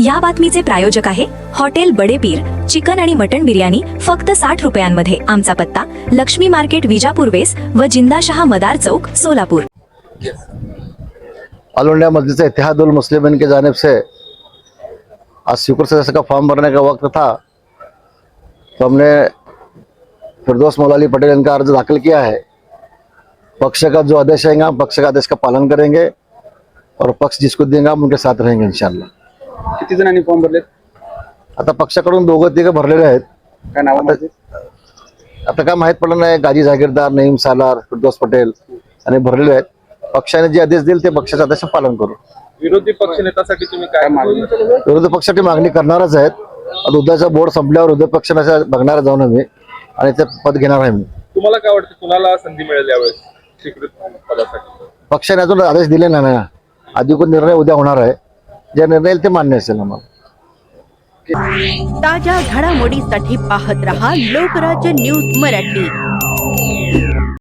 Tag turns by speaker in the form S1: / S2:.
S1: या बातमीचे प्रायोजक आहे हॉटेल बडे पीर। चिकन आणि मटण बिर्याणी फक्त 60 रुपयांमध्ये। आमचा पत्ता लक्ष्मी मार्केट विजापूर वेस व जिंदाशहा मदार चौक सोलापुर।
S2: ऑल इंडिया मजलिस इत्तेहादुल मुस्लिमीन की जानिब से आज शुक्र सदस्य का फॉर्म भरने का वक्त था, तो हमने फिरदौस मौलाली पटेल इनका अर्ज दाखिल किया है। पक्ष का जो आदेश आएगा हम पक्ष का आदेश का पालन करेंगे और पक्ष जिसको देंगे हम उनके साथ रहेंगे इंशाल्लाह।
S3: किती जणांनी फॉर्म भरले?
S2: आता पक्षाकडून दोघं तिघं भरलेले आहेत।
S3: काय नाव?
S2: आता काय माहित पडलं नाही, गाजी जागीरदार, नईम सालार, फिरदौस पटेल आणि भरलेले आहेत। पक्षाने जे आदेश दिले ते पक्षाचा आदेश पालन करू।
S3: विरोधी पक्षनेत्यासाठी तुम्ही काय मागणी?
S2: विरोधी पक्षाची मागणी करणारच आहेत। आता उद्याचा बोर्ड संपल्यावर विरोधी पक्षाने बघणार जाऊन आम्ही आणि ते पद घेणार आहे मी।
S3: तुम्हाला काय वाटतं, कुणाला संधी मिळेल यावेळेस स्वीकृत पदासाठी?
S2: पक्षाने अजून आदेश दिले नाही ना, अधिकृत निर्णय उद्या होणार आहे। जे निर्णय येईल ते मान्य असेल आम्हाला।
S4: ताज्या घडामोडीसाठी पाहत रहा लोकराज्य न्यूज मराठी।